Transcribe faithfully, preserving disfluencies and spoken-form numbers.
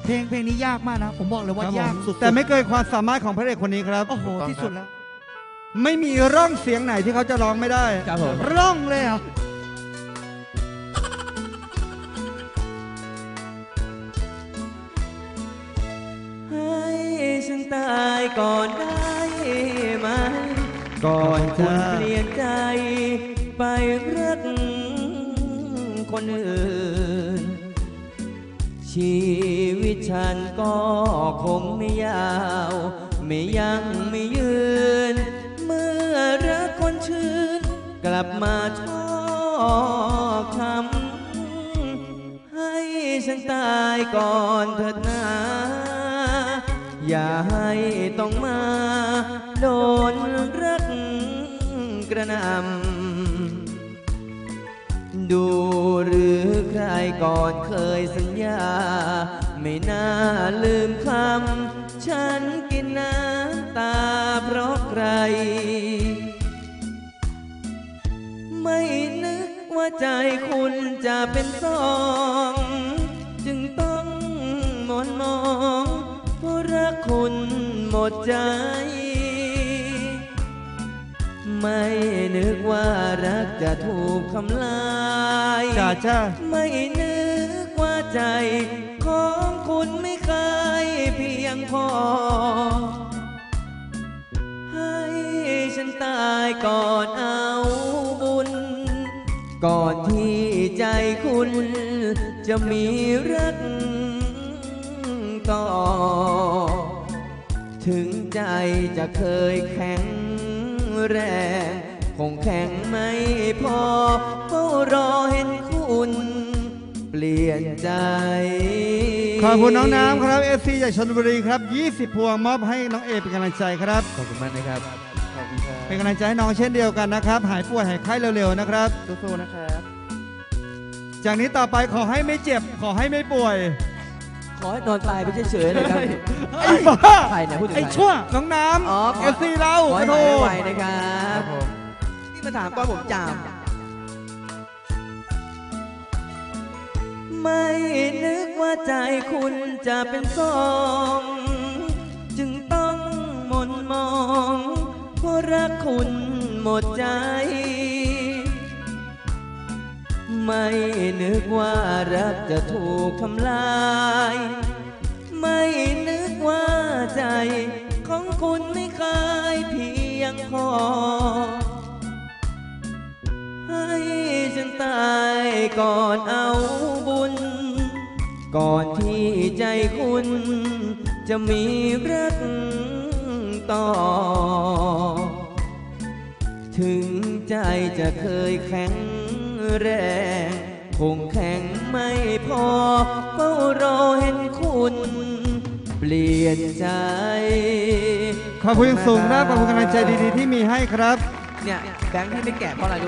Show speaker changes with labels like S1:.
S1: เพลงเพลงนี้ยากมากนะผมบอกเลยว่ายากสุด
S2: แต่ไม่เกินความสามารถของพระเอกคนนี้ครับ
S1: โอ้โหที่สุดแล้ว
S2: ไม่มีร่องเสียงไหนที่เขาจะร้องไม่ได้
S3: ครับผม
S1: ร่องเลยเหรอ
S3: ให้ฉันตายก่อนได้ไหม
S2: ก่อนจะ
S3: เปลี่ยนใจไปรักคนอื่นชีวิตฉันก็คงไม่ยาวไม่ยังไม่ยืนเมื่อรักคนชื่นกลับมาชอบคำให้ฉันตายก่อนเถิดนะอย่าให้ต้องมาโดนรักกระหน่ำดูหรือใครก่อนเคยสัญญาไม่น่าลืมคำฉันกินน้ำตาเพราะใครไม่นึกว่าใจคุณจะเป็นสองจึงต้องหมนมองเพราะรักคุณหมดใจไม่นึกว่ารักจะถูกทำลาย
S2: จ้าจ้า
S3: ไม่นึกว่าใจของคุณไม่เคยเพียงพอให้ฉันตายก่อนเอาบุญก่อนที่ใจคุณจะมีรักต่อถึงใจจะเคยแข็งแรงคงแข็งไม่พอเฝ้ารอเห็นคุณเปลี่ยนใจ
S2: ขอบคุณน้องน้ำครับเอฟซีจากชลบุรีครับยี่สิบพวงมอบให้น้องเอเป็นกำลังใจครับ
S3: ขอบคุณมากนะครับขอบคุณครับ
S2: เป็นกำลังใจให้น้องเช่นเดียวกันนะครับหายป่วยหายไข้เร็วๆนะครับ
S3: สู้ๆนะครับ
S2: จากนี้ต่อไปขอให้ไม่เจ็บขอให้ไม่ป่วย
S3: ขอให้นอนตายไปเฉยๆเลยครับ
S2: ไอ้บ้า
S3: ใครเนี่ยพูดถึง
S2: ไอ้ชั่วน้องน้ำเอฟซีเรา
S3: ขอให้
S2: โท
S3: หาย
S2: ษ
S3: ไวนะครับนี่มาถามตอนผมจามไม่นึกว่าใจคุณจะเป็นสองจึงต้องหม่นมองเพราะรักคุณหมดใจไม่นึกว่ารักจะถูกทำลายไม่นึกว่าใจของคุณไม่เคยเพียงพอให้ฉันตายก่อนเอาบุญก่อนที่ใจคุณจะมีรักต่อถึงใจจะเคยแข็งแรงคงแข็งไม่พอเฝ้ารอเห็นคุณเปลี่ยนใจ
S2: ขอบคุณสูงนะขอบคุณกำลังใจดีๆที่มีให้ครับ
S3: เนี่ยแบงค์ที่ไม่แก่เพราะอะไร